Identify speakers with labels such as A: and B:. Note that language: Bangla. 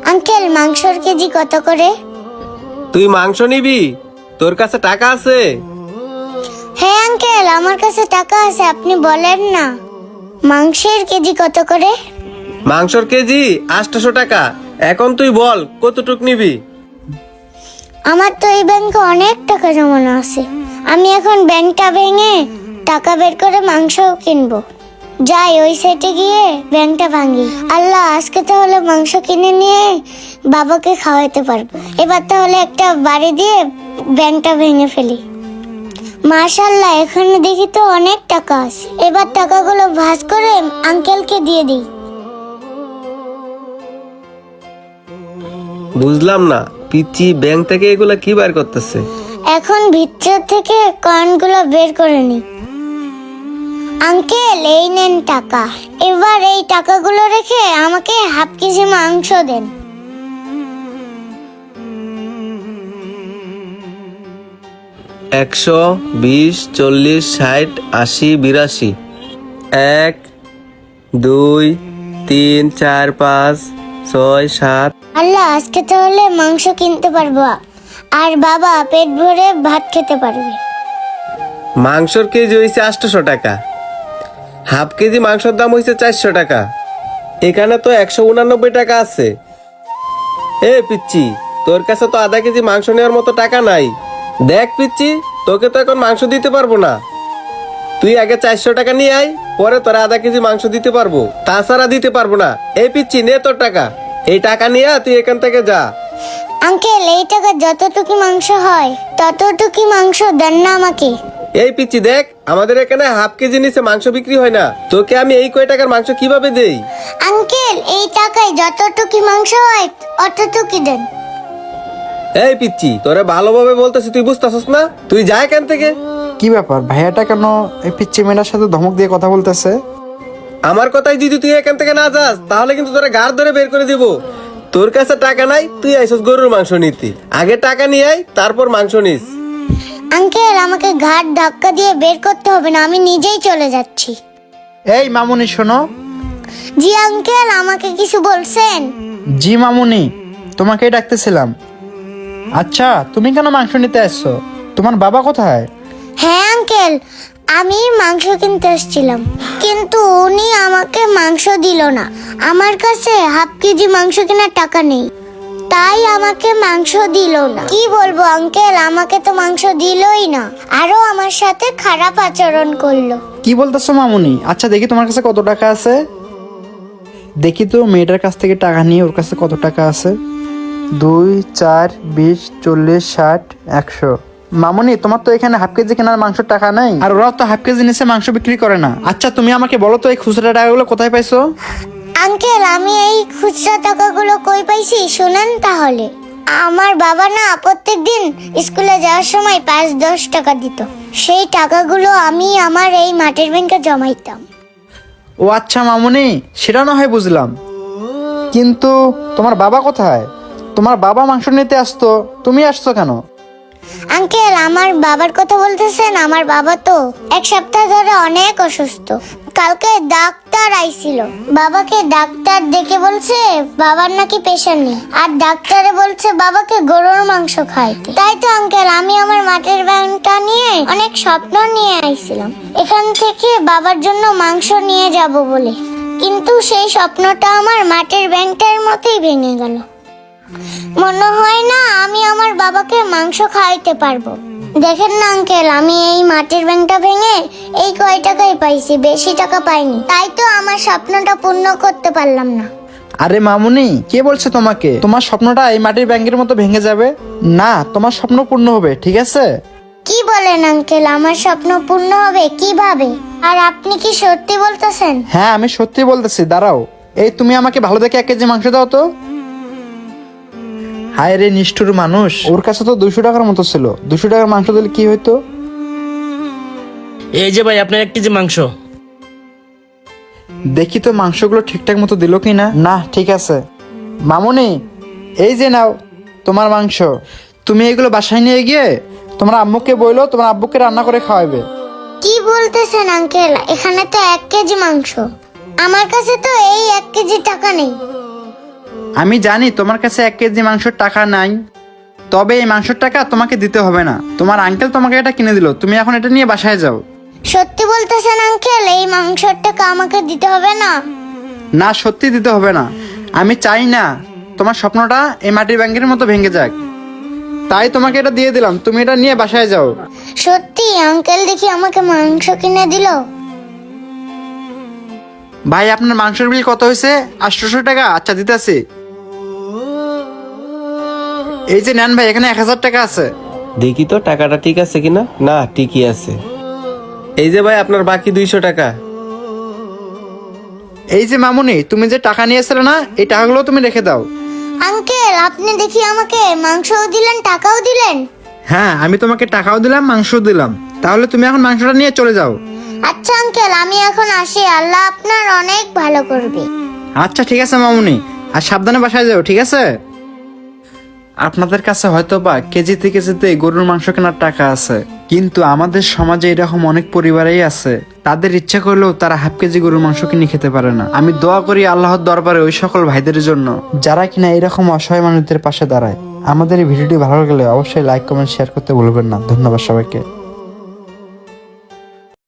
A: আঙ্কেল মাংসর কেজি কত করে?
B: তুই মাংস নিবি? তোর কাছে টাকা আছে?
A: হ্যাঁ আঙ্কেল, আমার কাছে টাকা আছে, আপনি বলেন না। মাংসের কেজি কত করে?
B: মাংসর কেজি 800 টাকা। এখন তুই বল কতটুক নিবি?
A: আমার তো এই ব্যাংকে অনেক টাকা জমানো আছে, আমি এখন ব্যাংকটা ভেঙে টাকা বের করে মাংস কিনবো। যাই ওই সাইডে গিয়ে ব্যাংকটা ভাঙি। আল্লাহ, আজকে তাহলে মাংস কিনে নিয়ে বাবাকে খাওয়াতে পারবো। এবার তাহলে একটা বাড়ি দিয়ে ব্যাংকটা ভেঙে ফেলি। মাশাআল্লাহ, এখানে দেখি তো অনেক টাকা আছে। এবার টাকাগুলো ভাঁজ করে আঙ্কেলকে দিয়ে দিই।
B: বুঝলাম না, পিচ্চি ব্যাংক থেকে এগুলা কি বার করতেছে?
A: এখন ভিতর থেকে কয়েনগুলো বের করে নি। আঙ্কেল, এই নেন টাকা। এবার এই টাকাগুলো রেখে আমাকে হাফ কেজি মাংস দেন।
B: 100, 20, 40, 60, 80, 82। 1, 2, 3, 4, 5, 6, 7।
A: আল্লাহ, আজকে তাহলে মাংস কিনতে পারবো আর বাবা পেট ভরে ভাত খেতে পারবে।
B: মাংসর কেজি হয়েছে 800 টাকা, হাফ কেজি মাংসের দাম হয়েছে 400 টাকা। এখানে তো 189 টাকা আছে। এ পিচ্চি, তোর কাছে তো আধা কেজি মাংস নেওয়ার মতো টাকা নাই। দেখ পিচ্চি, তোকে তো এখন মাংস দিতে পারবো না। তুই আগে 400 টাকা নিয়ে আয়, পরে তোরা আধা কেজি মাংস দিতে পারবো, তাছাড়া দিতে পারবো না। এই পিচ্চি, নে তোর টাকা। এই টাকা নিয়ে তুই এখান থেকে যা।
A: আঙ্কেল, এই টাকা যতটুকু মাংস হয় ততটুকু মাংস দেন না আমাকে।
B: এই পিচ্চি দেখ, আমাদের এখানে হাফ কেজি নিচে মাংস বিক্রি হয় না। তোকে আমি এই কয় টাকার মাংস কিভাবে দেই?
A: আঙ্কেল, এই টাকায় যতটুকু মাংস হয় অতটুকু দেন।
B: এই পিচ্চি, তোরে ভালোভাবে বলতেছি, তুই বুঝতেছস না? তুই যা এখান থেকে।
C: কি ব্যাপার, ভাইয়াটা কেন এই পিচ্চি মেয়েটার সাথে ধমক দিয়ে কথা বলতেছে?
B: আমার কথাই যদি তুই এখান থেকে না যাস, তাহলে কিন্তু তোরা গাড় ধরে বের করে দিব। তোর কাছে টাকা নাই, তুই আইসস গরুর মাংস নিতি। আগে টাকা নিয়ে আয়, তারপর মাংস নিস।
A: আঙ্কেল, আমাকে ঘাট ধাক্কা দিয়ে বের করতে হবে না, আমি নিজেই চলে যাচ্ছি।
C: এই মামুনি শোনো।
A: জি আঙ্কেল, আমাকে কিছু বলছেন?
C: জি মামুনি, তোমাকেই ডাকতেছিলাম। আচ্ছা, তুমি কেন মাংস নিতে আসছো? তোমার বাবা কোথায়?
A: হ্যাঁ আঙ্কেল, আমি মাংস কিনতে এসেছিলাম, কিন্তু উনি আমাকে মাংস দিল না। আমার কাছে হাফ কেজি মাংস কেনার টাকা নেই, তাই আমাকে মাংস দিল না। কি বলবো আঙ্কেল, আমাকে তো মাংস দিলই না, আরো আমার সাথে খারাপ আচরণ করলো।
C: কি বলতেছো মামুনি? আচ্ছা দেখি তোমার কাছে কত টাকা আছে। দেখি তো মেয়েটার কাছ থেকে টাকা নিয়ে ওর কাছে কত টাকা আছে। 2, 4, 20, 40, 60, 100। মামুনি, তোমার তো এখানে হাফ কেজি কেনার মাংসের টাকা নাই, আর ওরাও তো হাফ কেজি নিচে মাংস বিক্রি করে না। আচ্ছা তুমি আমাকে বলো তো এই খুচরা টাকাগুলো কোথায় পাইছো?
A: আঙ্কেল, আমি এই খুচরা টাকাগুলো কই পাইছি শুনেন তাহলে। আমার বাবা না প্রত্যেকদিন স্কুলে যাওয়ার সময় 5-10 টাকা দিত, সেই টাকাগুলো আমি আমার এই মাটির ব্যাংকে জমাইতাম।
C: ও আচ্ছা মামুনি, সেটা না হয় বুঝলাম, কিন্তু তোমার বাবা কোথায়? তোমার বাবা মাংস নিতে আসতো, তুমি আসছো কেন?
A: আঙ্কেল, আমার বাবার কথা বলতেছেন? আমার বাবা তো 1 সপ্তাহ ধরে অনেক অসুস্থ। কালকে ডাক্তার আইছিল, বাবাকে ডাক্তার দেখে বলছে বাবার নাকি প্রেশার নেই, আর ডাক্তারে বলছে বাবাকে গরুর মাংস খাইতে। তাই তো আঙ্কেল, আমি আমার মাটির ব্যাংকটা নিয়ে অনেক স্বপ্ন নিয়ে আইছিলাম এখান থেকে বাবার জন্য মাংস নিয়ে যাব বলে, কিন্তু সেই স্বপ্নটা আমার মাটির ব্যাংকটার মতোই ভেঙে গেল। মনে হয় না আমি আমার বাবাকে মাংস খাওয়াইতে পারবো। দেখেন না আঙ্কেল, আমি এই মাটির ব্যাংকটা ভেঙে এই কয় টাকাই পাইছি, বেশি টাকা পাইনি, তাই তো আমার স্বপ্নটা পূর্ণ করতে পারলাম না।
C: আরে মামুনি, কে বলছে তোমাকে তোমার স্বপ্নটা এই মাটির ব্যাংকের মতো ভেঙে যাবে? না, তোমার স্বপ্ন পূর্ণ হবে, ঠিক আছে?
A: কি বলেন আঙ্কেল, আমার স্বপ্ন পূর্ণ হবে কিভাবে? আর আপনি কি সত্যি বলতেছেন?
C: হ্যাঁ, আমি সত্যি বলতেছি, দাঁড়াও। এই তুমি আমাকে ভালো দেখে 1 কেজি মাংস দাও তো। হায় রে নিষ্ঠুর মানুষ, ওর কাছে তো 200 টাকার মতো ছিল। 200 টাকার মাংস দিলে কি হইতো?
D: এই যে ভাই, আপনার 1 কেজি মাংস।
C: দেখি তো মাংসগুলো ঠিকঠাক মতো দিল কি না। না, ঠিক আছে। মামুনি, এই যে নাও তোমার মাংস। তুমি এগুলো বাসায় নিয়ে গিয়ে তোমার আম্মুকে বললো, তোমার আব্বুকে রান্না করে খাওয়াবে।
A: কি বলতেছেন আঙ্কেল, এখানে তো 1 কেজি মাংস, আমার কাছে তো এই 1 কেজি টাকা নেই।
C: আমি জানি তোমার কাছে 1 কেজি মাংসের টাকা নাই, তবে এই মাংসের টাকা তোমাকে দিতে হবে না। তোমার আঙ্কেল তোমাকে এটা কিনে দিল, তুমি এখন এটা নিয়ে বাসায় যাও।
A: সত্যি বলতেছেন আঙ্কেল, এই মাংসের টাকা আমাকে দিতে হবে না?
C: না, সত্যি দিতে হবে না। আমি চাই না তোমার স্বপ্নটা এই মাটির ব্যাংকের মতো ভেঙে যাক, তাই তোমাকে এটা দিয়ে দিলাম, তুমি এটা নিয়ে বাসায় যাও।
A: সত্যি আঙ্কেল দেখি আমাকে মাংস কিনে দিল।
C: ভাই, আপনার মাংসের বিল কত হয়েছে? 800 টাকা। আচ্ছা, দিতেছি। এই যে নেন ভাই, এখানে 1000 টাকা আছে।
B: দেখি তো টাকাটা ঠিক আছে কিনা। না, ঠিকই আছে। এই যে ভাই আপনার বাকি 200 টাকা।
C: এই যে মামুনি, তুমি যে টাকা নিয়েছিলে না, এই টাকাগুলো তুমি রেখে দাও।
A: আঙ্কেল আপনি দেখি আমাকে মাংসও দিলেন টাকাও দিলেন।
C: হ্যাঁ, আমি তোমাকে টাকাও দিলাম, মাংসও দিলাম। তাহলে তুমি এখন মাংসটা নিয়ে চলে যাও।
A: আচ্ছা আঙ্কেল, আমি এখন আসি, আল্লাহ আপনার অনেক ভালো করবে।
C: আচ্ছা ঠিক আছে মামুনি, আর সাবধানে বাসায় যাও, ঠিক আছে? আপনাদের কাছে হয়তো বা কেজিতে কেজিতে গরুর মাংস কেনার টাকা আছে, কিন্তু আমাদের সমাজে এরকম অনেক পরিবারেই আছে, তাদের ইচ্ছা করলেও তারা হাফ কেজি গরুর মাংস কিনে খেতে পারে না। আমি দোয়া করি আল্লাহর দরবারে ওই সকল ভাইদের জন্য যারা কিনা এরকম অসহায় মানুষদের পাশে দাঁড়ায়। আমাদের এই ভিডিওটি ভালো লাগলে অবশ্যই লাইক কমেন্ট শেয়ার করতে ভুলবেন না। ধন্যবাদ সবাইকে।